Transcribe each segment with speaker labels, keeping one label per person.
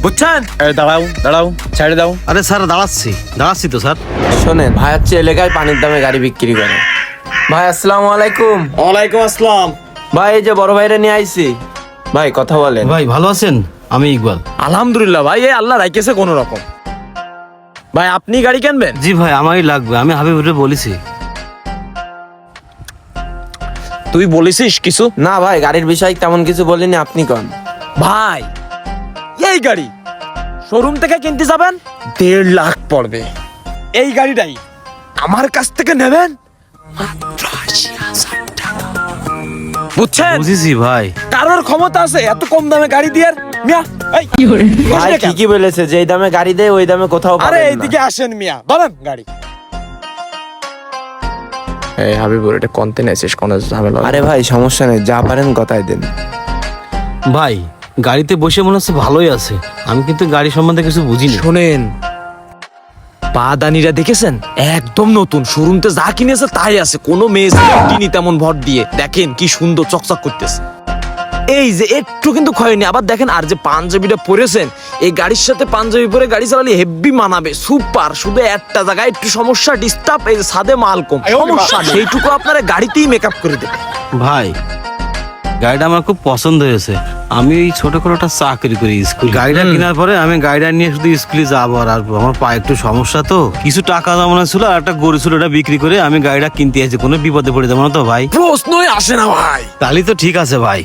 Speaker 1: বুঝছেন? দাঁড়াও দাঁড়াও, ছেড়ে দাও।
Speaker 2: আরে স্যার দাঁড়াচ্ছি তো স্যার।
Speaker 3: শোনেন, ভাই হচ্ছে এলাকায় পানির দামে গাড়ি বিক্রি করে। ভাই আসসালামু আলাইকুম।
Speaker 1: ওয়ালাইকুম আসসালাম।
Speaker 3: ভাই এই যে বড় ভাইরা নিয়ে আইছি, ভাই কথা বলেন।
Speaker 2: ভাই ভালো আছেন? আমি ইকবাল।
Speaker 1: আলহামদুলিল্লাহ ভাই, এই আল্লাহ রাখেছে কোন রকম। ভাই আপনি গাড়ি কিনবেন?
Speaker 2: জি ভাই, আমারই লাগবে। আমি হাবিবুরে বলেছি।
Speaker 1: তুই বলেছিস কিছু?
Speaker 3: না ভাই, গাড়ির বিষয়ে তেমন কিছু বলিনি, আপনি কন।
Speaker 1: ভাই এই গাড়ি শোরুম থেকে কিনতে যাবেন 1.5 লাখ পড়বে। এই গাড়িটাই আমার কাছ থেকে নেবেন মাত্র 80,000 টাকা। বুঝছেন?
Speaker 2: বুঝেছি ভাই।
Speaker 1: কারোর ক্ষমতা আছে এত কম দামে গাড়ি দিয়ে? মিয়া এই
Speaker 3: ভাই ঠিকই বলেছে, যে এই দামে গাড়ি দেয় ওই দামে কোথাও
Speaker 1: আরে
Speaker 3: পাবেন না।
Speaker 1: এইদিকে আসেন মিয়া, ধরেন গাড়ি। এই হাবিবুর এটা কোনতে নেছিস, কোন ঝামেলা?
Speaker 3: আরে ভাই সমস্যা নেই, যা পারেন কথাই দেন।
Speaker 2: ভাই গাড়িতে বসে মনে হচ্ছে ভালোই আছে। আমি কিন্তু গাড়ি সম্বন্ধে কিছু বুঝিনি।
Speaker 1: শোনেন, পাদানিরা দেখেছেন একদম নতুন, শোরুমতে যা কিনেছে তাই আছে, কোনো মেয়ে কিনি তেমন ভর দিয়ে। দেখেন কি সুন্দর চকচক করতেছে। এই যে একটু কিন্তু ক্ষয়নি। আবার দেখেন, আর যে পাঞ্জাবিটা পরেছেন, এই গাড়ির সাথে পাঞ্জাবি পরে গাড়ি চালালে হেভি মানাবে, সুপার। শুধু একটা জায়গায় একটু সমস্যা, ডিস্টার্ব, এই যে ছাদে মাল কম, সমস্যা সেইটুকু আপনারা গাড়িতেই মেকআপ করে দেবে।
Speaker 2: ভাই গাড়িটা আমার খুব পছন্দ হয়েছে। আমি এই ছোটখাটো একটা চাকরি করি স্কুল। গাড়িটা কেনার পরে আমি গাড়িটা নিয়ে শুধু স্কুলে যাবো আর আসবো। আমার পায়ে একটু সমস্যা, তো কিছু টাকা জমানো ছিল আর একটা গরু ছিল, ওটা বিক্রি করে আমি গাড়িটা কিনতে আসছি। কোনো বিপদে পড়ে যাবো না তো ভাই?
Speaker 1: প্রশ্নই আসে না ভাই।
Speaker 2: তাহলে তো ঠিক আছে ভাই।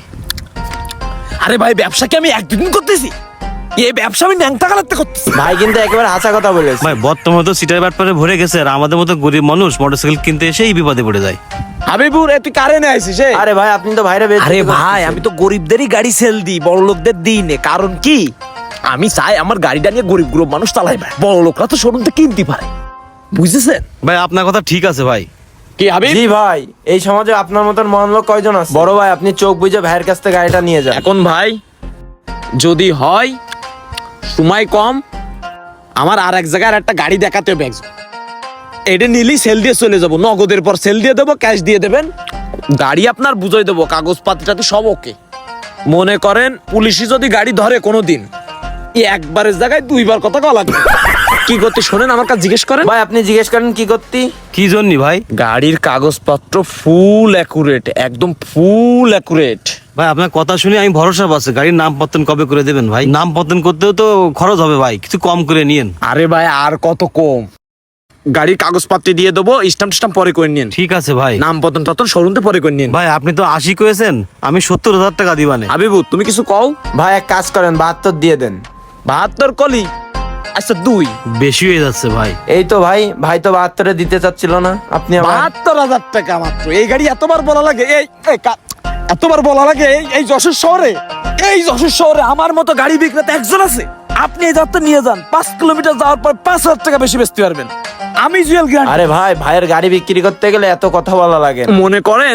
Speaker 1: আরে ভাই, ব্যবসা কি আমি একদিন করতেছি? এই ব্যবসা আমি ন্যাংটা কালাতে করতেছি।
Speaker 3: ভাই কিন্তু একেবারে হাসা কথা বলেছে।
Speaker 2: ভাই বর্তমানে তো সিটার ব্যাপারে ভরে গেছে, আর আমাদের মতো গরিব মানুষ মোটরসাইকেল কিনতে এসেই বিপদে পড়ে যায়।
Speaker 1: হাবিবুর তুই কারে নিয়ে আইছিস?
Speaker 3: আরে ভাই আপনি তো ভাইরা বেশ।
Speaker 1: আরে ভাই, আমি তো গরিবদেরই গাড়ি সেল দিই, বড় লোকদের দিই না। কারণ কি, আমি চাই আমার গাড়িটা নিয়ে গরিব গরিব মানুষ চালাইবে, বড় লোকরা তো শোরুম থেকে কিনতে পারে। বুঝেছেন?
Speaker 2: ভাই আপনার কথা ঠিক আছে ভাই।
Speaker 1: কি হাবিব?
Speaker 3: জি ভাই, এই সমাজে আপনার মতন মহান লোক কয়জন আছে? বড় ভাই আপনি চোখ বুঝে ভাইয়ের কাছ থেকে গাড়িটা নিয়ে যান।
Speaker 1: এখন ভাই যদি হয় সময় কম, আমার আর এক জায়গায় একটা গাড়ি দেখাতে হবে একজন। এটা নিলেই সেল দিয়ে চলে যাবো, নগদের পর সেল দিয়ে দেবো, ক্যাশ দিয়ে দেবেন, গাড়ি আপনার বুঝাই দেবো, কাগজপাতিটাতে সব ওকে। মনে করেন পুলিশই যদি গাড়ি ধরে কোনোদিন, একবারের জায়গায় 2বার কথা কওয়া লাগবে। কি করতে শোনেন, আমার কাছে জিজ্ঞেস করেন।
Speaker 3: ভাই আপনি জিজ্ঞেস করেন কি করতে?
Speaker 2: কি জন্য ভাই?
Speaker 1: গাড়ির কাগজপত্র ফুল অ্যাকুরেট, একদম ফুল অ্যাকুরেট।
Speaker 2: ভাই আপনার কথা শুনে আমি ভরসা পাচ্ছি। গাড়ির নাম পত্তন কবে করে দেবেন ভাই? নাম পত্তন করতেও তো খরচ হবে ভাই, কিছু কম করে নিয়েন।
Speaker 1: আরে ভাই আর কত কম, গাড়ির কাগজপত্র দিয়ে দেবো, স্ট্যাম্প স্ট্যাম্প পরে করে নিন।
Speaker 2: ঠিক আছে ভাই।
Speaker 1: নাম পতন টতন শোরুমতে পরে করে নিন।
Speaker 2: ভাই আপনি তো 80 করেছেন, আমি 70,000 টাকা দিবানে।
Speaker 1: হাবিবু তুমি কিছু কও।
Speaker 3: ভাই এক কাজ করেন, 72 দিয়ে দেন।
Speaker 1: 72 কলি? আচ্ছা 2।
Speaker 2: বেশি হয়ে যাচ্ছে ভাই।
Speaker 3: এই তো ভাই, ভাই তো 72 দিতে চাচ্ছিল না, আপনি আবার
Speaker 1: 72,000 টাকা মাত্র? এই গাড়ি এতবার বলা লাগে? এতবার বলা লাগে এই যশোর শহরে? এই যশোর শহরে আমার মতো গাড়ি বিক্রেতা একজন আছে? আপনি এই যাত্রা নিয়ে যান, 5 কিলোমিটার যাওয়ার পর 5,000 টাকা বেশি বেচতে পারবেন। আমি জুয়েল গ্যারান্টি।
Speaker 3: আরে ভাই, ভাইয়ের গাড়ি বিক্রি করতে গেলে এত কথা বলা লাগে?
Speaker 1: মনে করেন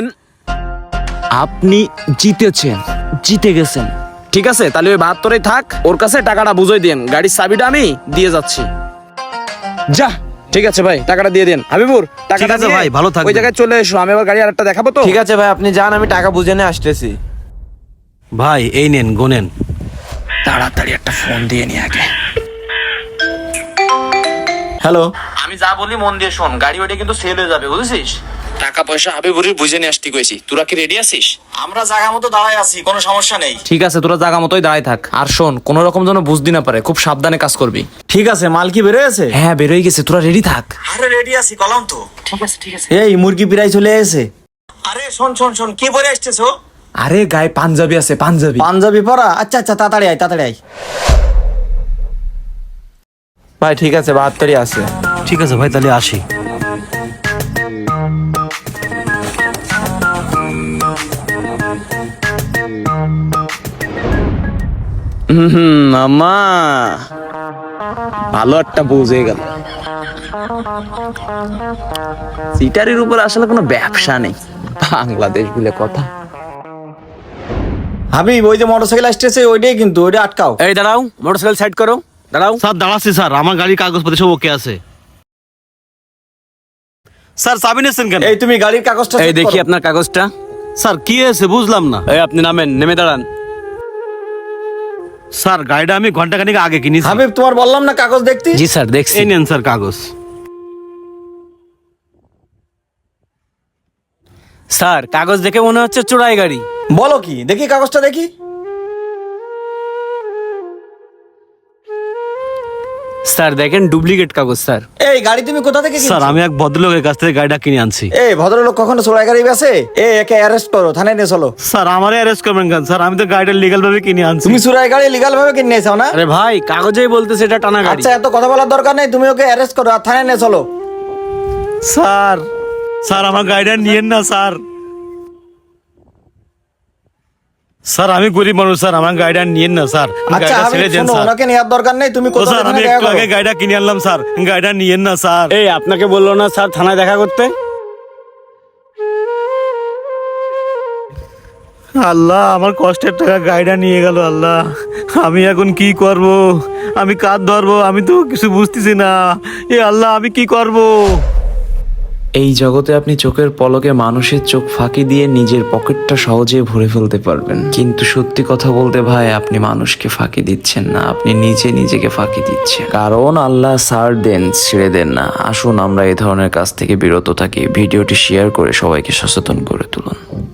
Speaker 1: আপনি জিতে গেছেন, ঠিক আছে? তাহলে ওই 72-এই থাক, ওর কাছে টাকাটা বুঝাই দেন, গাড়ির চাবিটা আমি দিয়ে যাচ্ছি। যা, ঠিক আছে ভাই, টাকাটা দিয়ে দেন। হাবিবুর টাকাটা
Speaker 2: ঠিক আছে
Speaker 1: নিয়ে
Speaker 2: ভাই, ভালো থাকবেন।
Speaker 1: ওই জায়গায় চলে এসো, আমি আবার গাড়ি আরেকটা দেখাবো তো।
Speaker 3: ঠিক আছে ভাই, আপনি যান, আমি টাকা বুঝে নিয়ে আসতেছি।
Speaker 2: ভাই এই নেন, গোনেন।
Speaker 1: তাড়াতাড়ি একটা ফোন দিয়ে নি আগে।
Speaker 3: হ্যালো।
Speaker 1: আমি যা বলি মন দিয়ে শোন, গাড়ি ওটা কিন্তু সেল হয়ে যাবে, বুঝেছিস? টাকা পয়সা হাবিবুরির বুঝে নিয়ে আসতে কইছি। তোরা কি রেডি আছিস?
Speaker 4: আমরা জায়গা মতো দাঁড়ায় আছি, কোনো সমস্যা নেই।
Speaker 1: ঠিক আছে, তোরা জায়গা মতোই দাঁড়ায় থাক। আর শোন, কোনো রকম যেন বুঝদি না পারে, খুব সাবধানে কাজ করবি।
Speaker 4: ঠিক আছে, মাল কি বেরোয় আছে?
Speaker 1: হ্যাঁ বেরোয় গেছে, তোরা রেডি থাক।
Speaker 4: আরে রেডি আছি, কলাম তো। ঠিক আছে।
Speaker 3: এই মুরগি প্রায় চলে এসে।
Speaker 4: আরে শোন, কি পরে আসতেছো?
Speaker 1: আরে গায়ে পাঞ্জাবি আছে, পাঞ্জাবি।
Speaker 3: পাঞ্জাবি পরা? আচ্ছা তাড়াতাড়ি আয়। ভাই ঠিক আছে, 72-ই আছে।
Speaker 2: ঠিক আছে ভাই, তাহলে আসি।
Speaker 1: মামা ভালো একটা বুঝে গেল, সিটারির উপর আসলে কোনো ব্যবসা নেই, বাংলাদেশ বলে কথা।
Speaker 3: হাবিব, ওই যে মোটরসাইকেল আসতেছে ওইটাই কিন্তু, ওইটা আটকাও।
Speaker 1: এই দাঁড়াও, মোটরসাইকেল সাইড করো, দাঁড়াও।
Speaker 2: স্যার দাঁড়াচ্ছি স্যার, আমার গাড়ির কাগজপত্র সব ওকে আছে। স্যার চাবি নিয়েছেন কেন?
Speaker 3: এই তুমি গাড়ির কাগজটা
Speaker 1: এই
Speaker 3: check
Speaker 1: দেখি
Speaker 3: করো।
Speaker 1: আপনার কাগজটা।
Speaker 2: স্যার কি হয়েছে বুঝলাম না।
Speaker 1: এই আপনি নামেন, নেমে দাঁড়ান।
Speaker 2: স্যার গাড়িটা আমি ঘন্টাখানিক আগে কিনেছি।
Speaker 3: হাবিব তোমার বললাম না কাগজ দেখতে।
Speaker 1: জি স্যার দেখছি।
Speaker 2: এই নেন স্যার কাগজ।
Speaker 5: স্যার কাগজ দেখে মনে হচ্ছে চোরাই গাড়ি।
Speaker 3: বলো কি, দেখি কাগজটা দেখি।
Speaker 5: স্যার দেখেন ডুপ্লিকেট কাগজ স্যার।
Speaker 3: এই গাড়ি তুমি কোথা থেকে
Speaker 2: স্যার
Speaker 3: কিনছো?
Speaker 2: আমি এক ভদ্রলোকের কাছ থেকে গাড়িটা কিনে আনছি।
Speaker 3: এই ভদ্রলোক কখনো চোরাই গাড়ি বেচে? একে অ্যারেস্ট করো, থানায় নিয়ে চলো।
Speaker 2: স্যার আমারে অ্যারেস্ট করবেন কেন স্যার? আমি তো গাড়িটা লিগ্যাল ভাবে কিনে আনছি।
Speaker 3: তুমি চোরাই গাড়ি লিগাল ভাবে কিনে নিয়েছো না?
Speaker 5: আরে ভাই কাগজেই বলতেছে এটা টানা গাড়ি।
Speaker 3: আচ্ছা এত কথা বলার দরকার নেই, তুমি ওকে অ্যারেস্ট করো আর থানায় নিয়ে চলো।
Speaker 2: স্যার স্যার আমার গাড়িটা নিয়েন না স্যার। স্যার আমি গরিব মানুষ স্যার, আমার গাড়িটা নিয়েন না স্যার।
Speaker 3: আচ্ছা
Speaker 2: গাড়িটা
Speaker 3: হাবিব
Speaker 2: ছেড়ে দেন
Speaker 3: শোনো,
Speaker 2: স্যার।
Speaker 3: ওনাকে নেওয়ার দরকার নেই, তুমি
Speaker 2: ও
Speaker 3: কোথাও
Speaker 2: স্যার আমি
Speaker 3: দেখা
Speaker 2: একটু
Speaker 3: করো।
Speaker 2: আগে গাড়িটা কিনে আনলাম স্যার, গাড়িটা নিয়েন না স্যার।
Speaker 5: এই আপনাকে বললো না স্যার থানায় দেখা করতে?
Speaker 2: আল্লাহ আমার কষ্টের টাকা গাড়িটা নিয়ে গেল। আল্লাহ আমি এখন কি করব? আমি কাঁধ ধরবো? আমি তো কিছু বুঝতেছি না। এ আল্লাহ আমি কি করব?
Speaker 6: এই জগতে আপনি চোখের পলকে মানুষের চোখ ফাঁকি দিয়ে নিজের পকেটটা সহজে ভরে ফেলতে পারবেন, কিন্তু সত্যি কথা বলতে ভাই আপনি মানুষকে ফাঁকি দিচ্ছেন না, আপনি নিজে নিজেকে ফাঁকি দিচ্ছেন। কারণ আল্লাহ ছাড় দেন, ছেড়ে দেন না। আসুন আমরা এই ধরনের কাজ থেকে বিরত থাকি। ভিডিওটি শেয়ার করে সবাইকে সচেতন করে তুলুন।